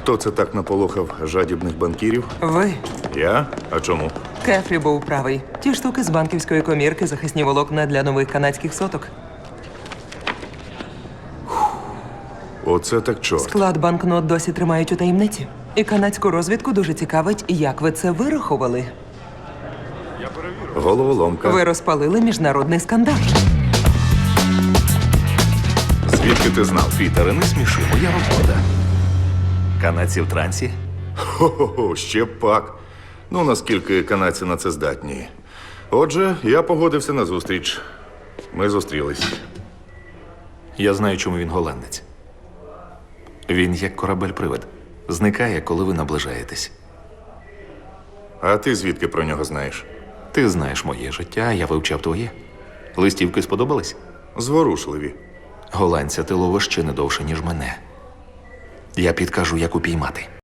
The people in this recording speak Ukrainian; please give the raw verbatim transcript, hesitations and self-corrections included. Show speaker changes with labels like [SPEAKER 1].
[SPEAKER 1] Хто це так наполохав жадібних банкірів?
[SPEAKER 2] Ви.
[SPEAKER 1] Я? А чому?
[SPEAKER 2] Кефрі був правий. Ті штуки з банківської комірки, захисні волокна для нових канадських соток.
[SPEAKER 1] Оце так чорт.
[SPEAKER 2] Склад банкнот досі тримають у таємниці. І канадську розвідку дуже цікавить, як ви це вирахували.
[SPEAKER 1] Головоломка.
[SPEAKER 2] Ви розпалили міжнародний скандал.
[SPEAKER 1] Звідки ти знав?
[SPEAKER 3] Пітере, не сміши, моя робота. Канадці в трансі?
[SPEAKER 1] Хо-хо-хо, ще пак. Ну, наскільки канадці на це здатні. Отже, я погодився на зустріч. Ми зустрілись.
[SPEAKER 3] Я знаю, чому він голландець. Він як корабель-привид. Зникає, коли ви наближаєтесь.
[SPEAKER 1] А ти звідки про нього знаєш?
[SPEAKER 3] Ти знаєш моє життя, а я вивчав твоє. Листівки сподобались?
[SPEAKER 1] Зворушливі.
[SPEAKER 3] Голландця ти ловиш ще не довше, ніж мене. Я підкажу, як упіймати.